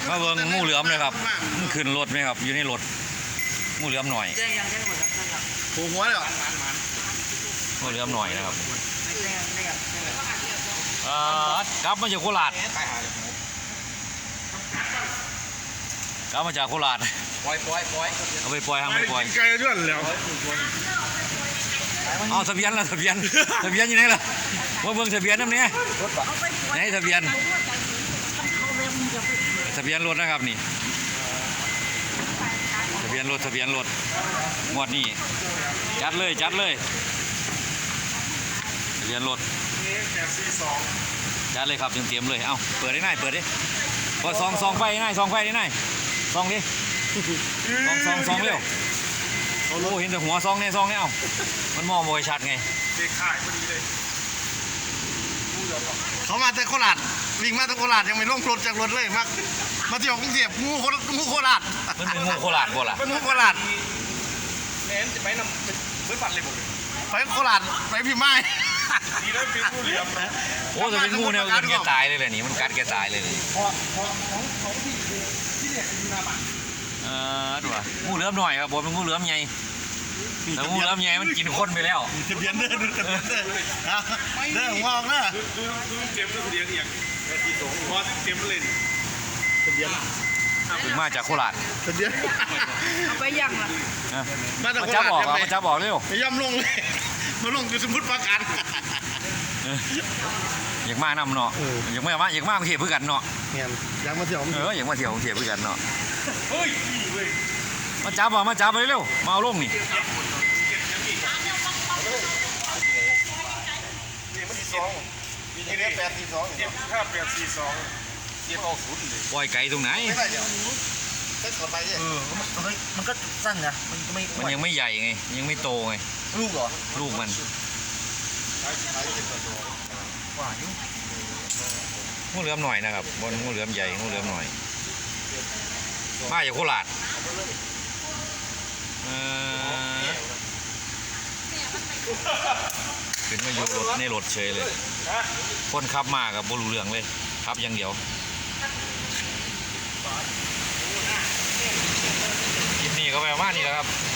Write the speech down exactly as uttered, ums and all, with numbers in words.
มาเบิ่งงูเหลือมเลยครับมันขึ้นรถไหมครับอยู่ในรถงูเหลือมหน่อยแจ้งยังแจ้งหมดแล้วครับหัวหัวเลยเหรองูเหลือมหน่อยนะครับไม่แจ้งไม่กับแจ้งเอ่อกลับมาจากโคราชกลับมาจากโคราชปล่อยปล่อยปล่อยเอาไปปล่อยทำไปปล่อยไกลด้วยแล้วเอาทะเบียนละทะเบียนทะเบียนอยู่ไหนล่ะว่าเบิ่งทะเบียนน้ำเนี้ยไหนทะเบียนทะเบียนรถนะครับนี่ทะเบียนรถทะเบียนรถงวดนี้จัดเลยจัดเลยทะเบียนรถจัดเลยครับเตรียมๆเลยเอาเปิดได้ง่ายเปิดดิพอซองซองไฟง่ายซองไฟได้ง่ายซองดิซองซองซองเร็วโอ้เห็นแต่หัวซองเนี่ยซองเนี่ยเอามันมองมวยชัดไงเด็กข่ายพอดีเลยเขามาจากโคราชวิ่งมาจากโคราชยังไม่ลงรถจากรถเลยมามาเที่ยวกรุงเทพงูโคงูโคราชมันเป็นงูโคราชบ่ล่ะเป็นงูโคราชแนนจะไปนำเพื่อนปัดเลยบอกเลยไปโคราชไปพี่ไม้ดีแล้วเป็นผู้เหลี่ยมนะโอ้จะเป็นงูเนี่ยมันแกตายเลยแหละนี่มันกัดแกตายเลยนี่พอพอของของที่ที่เนี่ยอยู่หน้าบ้านเออดูว่างูเหลือมหน่อยครับบอกเป็นงูเหลือมใหญ่แต่งูเหลือมใหญ่มันกินคนไปแล้วทะเบียนเด้อดูทะเบียนเด้อเด้อหัวออกเด้อดูดูเต็มแล้วเดียวอย่างที่สองพอเต็มเลยทะเบียนถึงมาจากโคราชทะเบียนเอาไปยังล่ะนะมาจากมาโคจับราชออกอ่ะมาจับออกเร็วย่ำลงเลยมาลงอยู่สมุทรปราการเอออยากมานำเนาะอยากมาอยากมากรุงเทพเพื่อกันเนาะเงี้ยอยากมาเที่ยวเอออยากมาเที่ยวกรุงเทพเพื่อกันเนาะเฮ้ยนี่เว้ยมาจับอ่ะมาจับไปเร็วมาเอาลงนี่นี่มันที่สองนี่เนี่ยแปดสี่สองเจ็ดห้าแปดสี่สองเจ็ดออกศูนย์เลยปล่อยไก่ตรงไหนไม่ได้เดี๋ยวเซ็ตกดไปดิเออมันก็สั้นนะมันก็ไม่มันยังไม่ใหญ่ไงยังไม่โตไงลูกเหรอลูกมันใช้ใช้เซ็ตกดตัวกว่าอยู่งูเหลือมหน่อยนะครับบนงูเหลือมใหญ่งูเหลือมหน่อยมาจากโคราชเออขึ้นมาอยู่รถในรถเฉยเลยคนขับมากับบรูเรื่องเลยขับอย่างเดียวคลิปนี้ก็ไปประมาณนี้แหล้วครับ